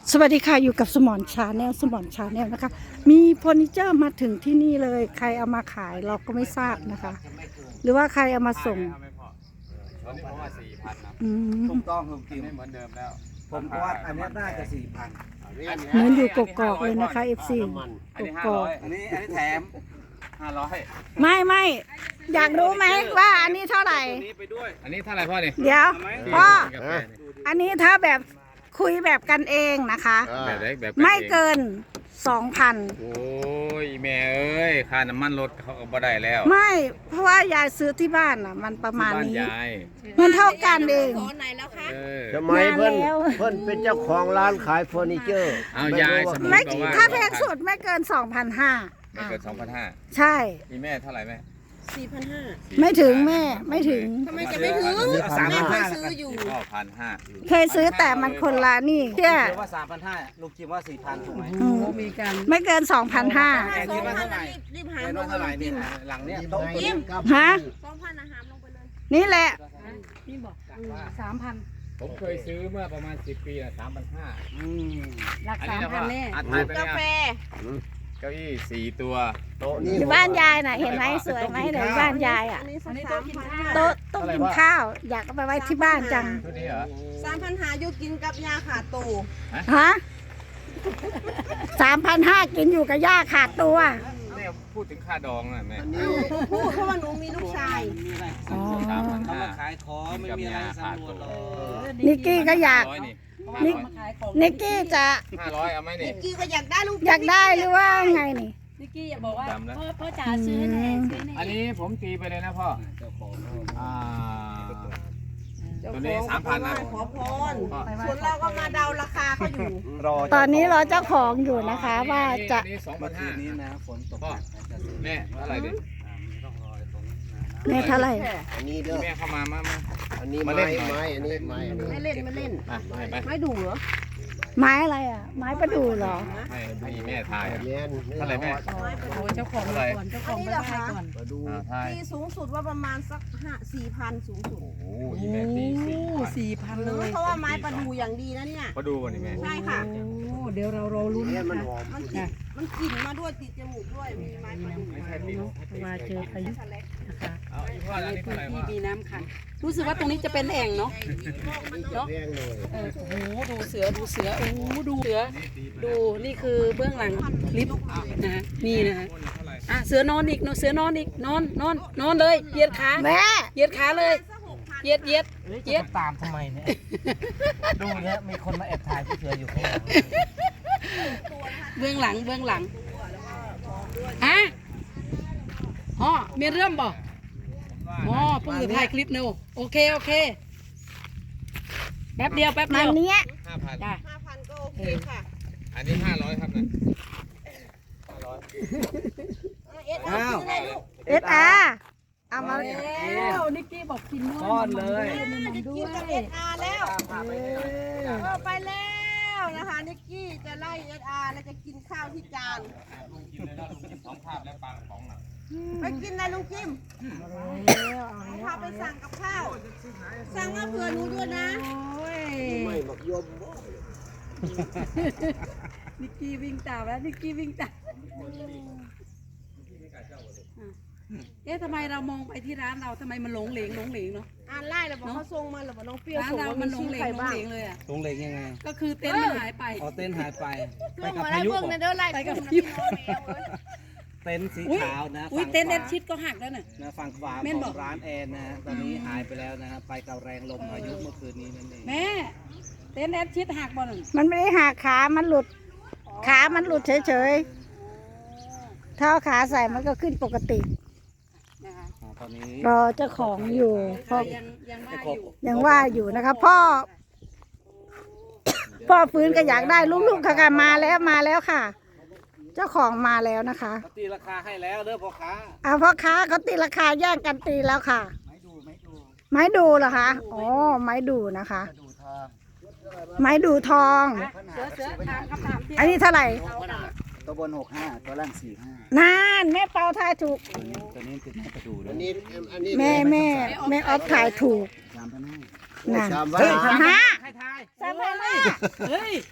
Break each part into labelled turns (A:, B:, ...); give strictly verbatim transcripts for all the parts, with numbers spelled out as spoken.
A: สวัสดีค่ะอยู่กับสมอนชาแนลสมอนชาแนลนะคะมีเฟอร์นิเจอร์มาถึงที่นี่เลยใครเอามาขายเราก็ไม่ทราบนะคะ หรือว่าใครเอามาส่ง
B: ผมเพราะว่าสี่พันนะ
A: อืม
C: ถูกต้องถูกจริง
B: ไม่เหมือนเดิมแล้ว
C: ผมก็ว่าอันนี้น่าจะสี่พัน
A: เหมือนอยู่กกอกเลยนะคะเอฟซี
B: อัน
A: ก
B: นี้ห้าก
A: อ
B: ร้
A: ก
B: อย
C: อันนี้อันนี้แถม
B: ห้าร้อย
A: ไม่ไม่อยากรู้ไหมว่าอันนี้เท่าไหร่
C: ตัวนี้ไปด้วย
B: อันนี้เท่าไหร่พ่อเนี่ย
A: เดี๋ยวพ่อ
B: กาแฟเนี่ย
A: อันนี้ถ้าแบบคุยแบบกันเองนะคะ
B: แบบไหนแบบ
A: ไม่เกินสองพัน
B: โอ้ยแม่เอ้ยค่าน้ำมันรถเขาก็บ่ได้แล้ว
A: ไม่เพราะว่ายายซื้อที่บ้านอ่ะ มันประมาณ
B: บ้าน
A: นี้
B: ยาย
A: มันเท่ากันเอง
D: ขอไหนแล้วคะ
B: เออ
E: ทำไมเพิ่น
A: นานแล้ว
E: เพิ่นเป็นเจ้าของร้านขายเฟอร์นิเจอร์
B: เอายายสมมุติ
A: ไม่
B: บอกว่า
A: ถ้าแพงสุดไม่เกินสองพันห้า
B: ไม่เกินสองพันห้า
A: ใช่
B: มีแม่เท่าไหร่แม่
D: สี่พันห้า
A: ไม่ถึงแม่ไม่ถึง
D: ทำไมจะไม่ถึง
C: สาม
D: แม่
C: พัน
D: เค
C: ห้าย
D: ซื้ออยู่
B: พ่อพันห้า
A: เคยซื้อแต่มันคนละนี่เชื่อ
C: เชื่อว่าสามพันห้าลูกคิดว่าสี่พันถูกไหม
A: อืมไม่เกินสองพันห้า
C: แอน
D: สอ
C: คิ
D: ง
C: ดว่า
D: พั
C: เท่าน ไหร่
D: รีบหา
C: แอน
D: ล
C: ว่าง
D: ไป
C: เท่าไห
D: เล
C: ร่
D: ย
C: นี่หลังเนี้ยโต๊ะตัวนี้
A: ฮะ
D: สองพันอาหารลงไปเลย
A: นี่แหละ
B: สามพันผมเคยซื้อเมื่อประมาณสิบปีนะสามพันห้า
C: อืม
A: หลัก
B: อัน
A: สา
B: นี้
A: ม
B: นะ
A: พั
B: พ่อน
A: แน่
B: อัดถ่ายไป
D: กา
B: เนี่
D: แฟ
B: ยเก้าอี้สี่ตัว
E: โต๊ะนี่
A: อยู่บ้านยายน่ะเห็นไหมสวยไหมเดี๋ยวบ้านยายอ่ะ
D: อันนี้สามพันห้า
A: โต๊ะต้องกินข้าว อยากเอาไปไว้ที่บ้านจัง
B: ชุดนี้เหรอ
D: สามพันหาอยู่กินกับยาขาดตู
A: ฮะสามพันห้ากินอยู่กับย่าขาดตัว
B: เนี่ยพูดถึงค่าดองนะแม่
D: เอ้าพูดเพราะว่าหนูมีลูกชาย
C: มีอะไร
A: อ๋อ
B: สามพัน
C: เขา
B: ห้า
C: มาขายของไม่มีอะไรสำรวจหรอก
A: นิกกี้ก็อยาก
B: ร้อยนี่
A: นิกนิกกี้จะ
B: ห้าร้อยเอาไหมนี่
D: นิกกี้ก็อยากได้ลูก
A: อยากได้หรือว่าไงนี่
F: นิกกี้อยากบอกว่า
B: ดำแล้ว
F: พ่อพ่อจ๋าซื้อให้หน่อยซื้อให้หน่
B: อั
F: อน ย
B: นี้ผมตีไปเลยนะพ่อ
C: เจ้าของ
B: อ่า
D: เจ้า
B: ตัว
D: ข
B: นี้
D: อง
B: สามพันนะ
D: ขอพรส่วนเราก็มาเดาราคาเขาอยู่
C: รอ
A: ตอนนี้รอเจ้าของอยู่นะคะ ว่าจะ
B: อันนี้สองพั
C: เมื่
B: น
C: อคื
B: ห้าน
C: นี้นะฝนตก
B: พ่อ
C: จะซื้อ
B: แม่เท่าไหร่ดิ
C: ต้องรอตรงนี้นะ
A: แม่เท่าไหร่
E: อันนี้เด้อ
B: แม่เข้ามามามา
E: อันนี้
B: มาเล่
E: ไม้
B: นหน่อย
E: ไม้อันนี้ไม้อันนี้
D: ไม่เล่นไม่เล่น
B: อ่ะให้ไป
D: ไม่ดูเหรอ
A: ไม้อะไรอ่ะ ไม้ประดู่เหรอ
B: ให้ให้แม่ทาย
E: แม่น
B: เท่าไหร่แม่
F: โอ้เจ้าของมาก่อนเจ้าของมาได้ก่อน
E: มาดู
B: อ่าทาย
D: ที่สูงสุดว่าประมาณสักห้าสี่พันสูงสุด
B: โอ้โหอีแม่ตีสี่พัน
F: สี่พันเลย
D: เพราะว่าไม้ประดูอย่างดีนะเนี่ย
B: มาดูวันนี้แม่
D: ใช่ค่ะ
F: โอ้เดี๋ยวเรารอลุ้น
E: เนี่ย
F: นะ
E: มัน
F: คะ
E: หอม
D: มันติดมันกลิ่นมาด้วยติดจมูกด้วยมีไม้ประดู
B: ไม่ใช่ตี
F: มาเจอพายุนะคะ
B: เอาอีกพ่ออันนี้
F: พื้
B: เท่าน ไหร่
F: ที่
B: พ่อ
F: มีน้ำขังรู้สึกว่าตรงนี้จะเป็นแอ่งเนาะ
E: เนาะแพงเลย
F: เออโอ้โหดูเสือดูเสือโอ้โหดูเสือดูนี่คือเบื้องหลังคลิปนะฮะนี่นะฮะอ่ะเสือนอนอีกเนอะเสือนอนอีกนอนนอนนอนเลยเหยียดขา
A: แม่
F: เหยียดขาเลยเหยียดเหยียดเหยียด
C: ตามทำไมเนี่ยดูเนี่ยมีคนมาแอบถ่ายผู้เสืออยู่ข้างหลัง
F: เบื้องหลังเบื้องหลังฮะอ๋อมีเรื่องบ่อ๋อเพิ่งจะถ่ายคลิปเนอะโอเคโอเคแป๊บเดียวแป๊บ
A: มั
F: เดี
A: น
F: ยว
A: เนี้ย
B: ห้าพัน
F: จ้ะ
D: ห้าพันก็โอเคค่ะ
B: อันนี้ห้าร้อยครับนะห้าร้อย
D: เอสเอาซื้อเลยลูก
A: เอสอาร์เอามา
F: แล้วนิกกี้บอกกินด้วย
C: ซ่อนเลย
F: มันด้
D: กิ
F: วน
D: กับ
F: ย
D: เอสอาร์แล้วเออไปแล้วนะคะนิกกี้จะไล่เอสอาร์แล้วจะกินข้าวที่จาน
B: สองภาพและปลากระป๋องน่ะ
D: ไปกินนะลุงจิมพาไปสั่งกับข้าว สั่งมาเผื่อหนูด้วยนะ
F: โอ้ย
E: ไม่หมักยมบ่
F: นิกกี้วิ่งตามแล้วนิกกี้วิ่งตามเอ๊ะทำไมเรามองไปที่ร้านเราทำไมมันหลงเหลงหลงเหลงเนาะ
D: อ่านไล่แล้วบอกเขาส่งมาหรือบอกน้องเปรี้ยว
F: ร้าน
D: ส่ง
F: เรา
D: มา
F: มัน
D: มี
F: หลง
D: ชื่อ
F: เหล
D: ใครง
F: หลง
D: บ้าง
F: เหลงเลยอ่ะ
C: ตรงเหล็กยังไง
F: ก็คือเต็นท์มันหายไป
C: เอาเต้นท์หายไป
D: เพื่
C: ไป
D: อน
C: กับ
D: มา
C: พา
D: ได้
C: ยุ
D: เบิ่ง
C: เหร
D: ใน
C: อ
D: เด้อไล่
F: ไปกับ
D: พี่น้องแมวเอ้ย
C: เต็นท์สีขาวนะ
F: อุ้ย
C: ฝั่ง
F: เต็นท์
C: ข
F: แอ
C: วา
F: ดชิดก็หักแล้วน่ะ
C: นะฝั่งขวา
F: แม่น
C: ข
F: บ
C: อ
F: อก
C: งร้านแอนนะฮะตอนนี้หายไปแล้วนะฮะไปกับแรงลมพายุเมื่อคืนนี้นั่นเอง
F: แม่เต็นท์แอดชิดหักบ่หนึ่ง
A: มันไม่ได้หักขา มันหลุด ขามันหลุดเฉยๆถ้าเอาขาใส่มันก็ขึ้นปกติ
F: นะคะ
C: อ่าตอนนี้
A: รอเจ้าของอยู่พ่อ
F: ยังยังว่าอยู่
A: ยังว่าอยู่นะคะพ่อ พ่อฟื้นก็อยากได้ลูกๆค่ะค่ะมาแล้วมาแล้วค่ะ เจ้าของมาแล้วนะคะ
C: เขาตีราคาให้แล้วเด้อพ่อค้า
A: เอาพ่อค้าเขาตีราคาแย่งกันตีแล้วค่ะ
C: ไม่ดูไม่ดู
A: ไม้ดูเหรอคะอ๋อไม้ดูนะคะ
C: ดูทอง
A: ไม้ดูทอง
F: เสือเสือถามคำถามที่
A: อันนี้เท่าไหร่
C: ตัวบนหกห้าตัวล่างสี่ห้าน
A: านแม่เปาทายถูก
C: ตัวนี้ตัวนี้ติดไม้ประดูแล้
E: อั
C: วน
E: นี้อันนี้
A: แม่แม่แม่ออฟทายถูก
C: สามพันห้า
A: นั่น
E: สาม
A: สาม
E: พั
A: พั
E: น
A: นห้า
C: ให้ทาย
A: สามพันห้า
F: เฮ้ย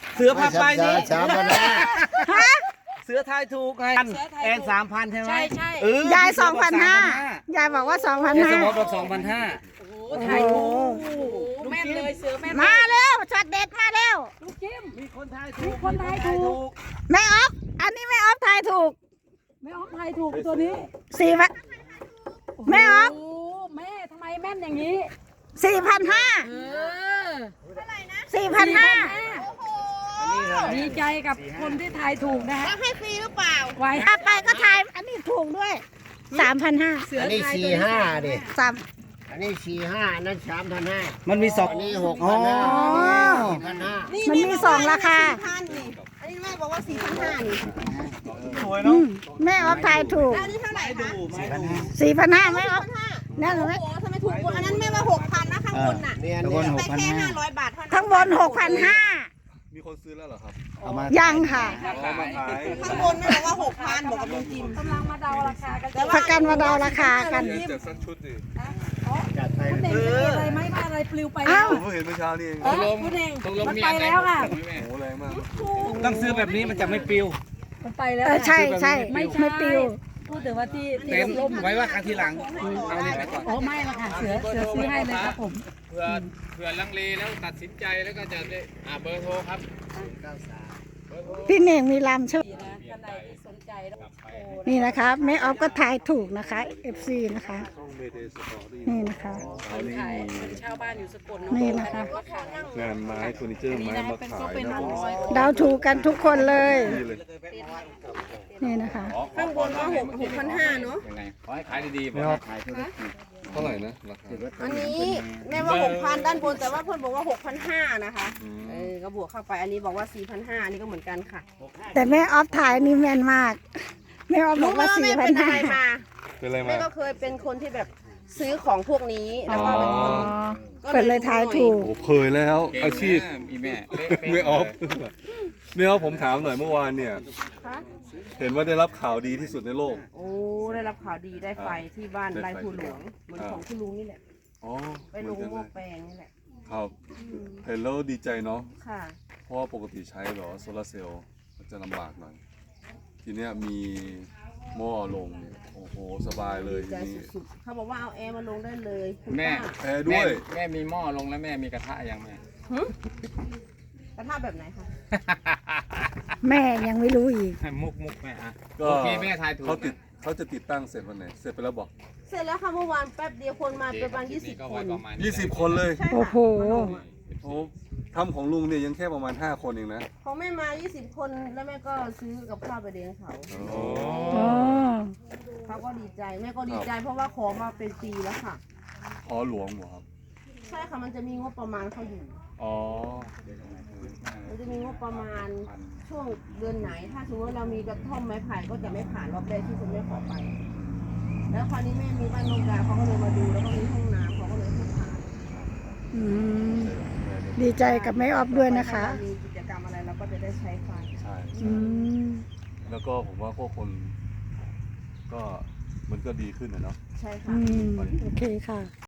C: เสือพาไปนี่
E: สามพันห้า
C: เสือทายถูกไงแอนสามพันใช่ไหม
F: ใช่ใช่
C: เออย
A: ายสองพันห้ายายบอกว่าสองพัน
C: แอนส
A: ห้าม
C: อบอกสองพันห้า
F: โอ้โหถ่ายถูกแม่นเลยเสือแม่น
A: มาเร็วช็อตเด็ดมาเร็ว
F: ลูกจิ้ม
C: มีคนทายถู
F: มี
C: ก
F: คนทายถูก
A: แม่ออฟอันนี้แม่ออฟทายถูก
F: แม่ออฟทายถูกตัวนี้
A: สี่พันแม่ออฟ
F: โอ้แม่ทำไมแม่นอย่างนี้
A: สี่พันห้า
F: เออ
A: สี่พันห้า
F: ดีใจกับคนที่ทายถูกนะฮะ
D: แล้วให้ฟรีหรือเปล่า
F: ไว้
A: เอาไปก็ทายอันนี้ถูกด้วยสามพันห้า
F: เสือ
E: อันนี้
F: ทาย
E: สี่
F: ตัว
E: ห้าดิ
A: สาม
E: อันนี้สี่ห้าอันนั้นสามพันห้า
C: มันมีสอง
E: อันนี้หกพันห้าสี่พันห้า
D: นี่
A: มันมีสองราคา
D: พันนี่อันนี้แม่บอกว่าสี่พันห้านี่
A: อืมแม่ออฟทายถูก
D: แล้วอันนี้เท่าไหร่คะ
A: สี่พันห้าแม่ออฟ
D: ห้า
A: นั่น
D: โอ้
A: ไหม
D: โหทำไมถูกกว่าอันนั้นแม่ว่าหกพันนะข้างบนน่ะ
E: เนี่ย
C: ตะวันห
D: ไป
C: กพัน
D: แค่
C: ห้า
D: ห้าร้อยบาทเท่านั้น
A: ข้างบนหกพันห้า
G: มีคนซื้อแล้วเหรอครับ
C: เอามา
A: ยังค่ะ
G: เอามาขาย
D: ข้างบนแม่บอกว่าหกพันบอกกับลุงจิม
F: กำลังมาเดาราคากัน
A: ประกันมาเดาราคากัน
G: เดี๋ยวจัดสักชุดดิ
E: จัดไป
F: คุณเน่งจะมีอะไรไหมว่าอะไรปลิวไป
A: อ้า
F: แล้ว ว
G: ผมเพิ่งเห็นเมื่อเช้านี่เอง
F: เออคุณเน่ง
B: ตกลง
F: มัน
B: มี
F: ไป
B: อันไหน
F: แล้วค่ะ
B: ถูกไหมแม่
G: โอ้แรงมาก
C: ต้องซื้อแบบนี้มันจะไม่ปลิว
F: มันไปแล้ว
A: เออใช่ใช่
F: ไม่
A: ไม่
F: ใช่
A: ปิว
F: พูดถึงว่าที่ที่
C: เต็ม
F: ล่ม
C: ไว้ว่ากันทีหลังเอานี่ไปก่อน
F: อ๋อไม่ละค่ะเสือเสือซื้อให้เลยครับผม
B: เผื่อเผื่อลังเลแล้วตัดสินใจแล้วก็จะได้อ่าเบอร์โทรครับ
A: พี่เน่งมีลำใช่ไหม
F: ดีนะท่านใดที่สนใจแล้วโทร
A: นี่นะคะแม่ออฟก็ทายถูกนะคะ เอฟ ซี นะคะ นี่นะคะ
F: คนขายคนเช่าบ้านอยู่สกลเนาะ
A: นี่นะคะ
F: มาขาย
G: งานไม้เฟอร์นิเจอร์
F: นี่
G: ไม้
F: นะ
G: มา
F: เป็น
G: ขา
F: ก็
G: ย
F: เป็น
G: นะ
F: ร้อย
A: เดาถูกกันทุกคนเลย
G: นี่เลย
A: นี่นะคะ
D: ข้างบนว่าหกหกพันห้าเนาะ
B: ยังไงขอให้ขายดีๆบ
C: ไม่
B: อก
C: เอา
B: ขาย
G: เท่าไหร่นะราคา
D: อันนี้แม่ว่าหกพันด้านบนแต่ว่าเพื่อนบอกว่าหกพันห้านะคะ
G: อืม
D: เออก็บวกเข้าไปอันนี้บอกว่าสี่พันห้าอันนี้ก็เหมือนกันค่ะ
A: แต่แม่ออฟถ่ายนี่แม่นมาก แม่ออฟบ
D: รู้
A: อก
D: ไหม
A: ว่า
D: ว่า
A: สี่
D: แม่
A: พั
D: เป็น นอะ
A: ห้า
D: ไรมา
G: เป็นอะไร
D: แม่
G: มา
D: ก็เคยเป็นคนที่แบบซื้อของพวกนี้แล้วก็เป็นคน
A: เปิดเลยทายถูก
G: โอ้เคยแล้ว อาชีพ
B: มีแม่
G: ไม่ออฟไม่ออฟผมถามหน่อยเมื่อวานเนี่ย
D: คะ
G: เห็นว่าได้รับข่าวดีที่สุดในโลก
D: โอ้ได้รับข่าวดีได้ไฟที่บ้าน
G: ได้ไฟ
D: ไร่ผู้หลวงเหมือน
G: อ่า
D: ของคุณลุงนี่แหละ
G: อ๋อ
D: ไป
G: เห
D: ล
G: มือน
D: ง
G: กัน
D: ห
G: เล
D: ม้อย แปลงนี่แหละ
G: ครับ
D: อืม
G: เห็นแล้วดีใจเนาะ
D: ค่ะ
G: เพราะว่าปกติใช้เหรอโซลาร์เซลล์มันจะลำบากหน่อย ทีเนี้ยมีหม้อลงเนี่ยโอ้โห สบายเลย
D: ดี
G: ที
D: ใจ
G: นี้
D: สุดๆเขาบอกว่าเอาแอร์มาลงได้เลยคุณ
B: แม่
D: ป้า
G: แอร์ด้วย
B: แม่แม่มีหม้อลงแล้วแม่มีกระทะยังแม่
D: หึกระทะแบบไหนคะ
A: แม่ยังไม่รู้อีก
B: มุกมุกแม่อ่ะ
G: ก็
B: โอเคแม่ทายถูก
G: เขาติด
B: นะ
G: เขาจะติดตั้งเสร็จวันไหน เสร็จไปแล้วบอก
D: เสร็จแล้วค่ะเมื่อวานแป๊บเดียวคนมา
B: โอเค
D: ประมาณ
B: ค
D: ยี่
B: ลิ
D: สิ
B: ป
D: บ
B: ก็
D: ค
B: ไว้
D: น
B: ประมาณนี้
G: ยี่สิบคนเลย
D: ใช่
A: โอ้
D: ค่ะ
A: โห
G: โอ้ทำของลุงเนี่ยยังแค่ประมาณห้าคนเองนะ
D: ของแม่มายี่สิบคนแล้วแม่ก็ซื้อกับข้าวไปเลี้ยงเขา
G: โอ้
A: อ๋อ
D: เขาก็ดีใจแม่ก็ดีใจเพราะว่าของมาเป็นปีแล้วค่ะ
G: ขอหลวงเหรอครับ
D: ใช่ค่ะมันจะมีงบประมาณเขาอยู่
G: อ๋อ
D: มันจะมีงบประมาณช่วงเดือนไหน ถ้าสมมติว่าเรามีกระท่อมไม้ไผ่ก็จะไม่ผ่านรอบแรกที่คุณแม่ขอไป แล้วคราวนี้แม่มีบ้านโรงกลางเขาก็เลยมาดูแล้วก็มีห้องน้ำเขาก็เลยให้ผ่าน
A: อืมดีใจกับแม่ออฟด้วยนะคะ
D: ถ้าเรามีกิจกรรมอะไรเราก็จะได้ใช้ไฟ
G: ใช่
A: อืม
G: แล้วก็ผมว่าพวกคน ก็มันก็ดีขึ้นนะเนาะ
D: ใช่ค่ะ
A: อืมโอเคค่ะ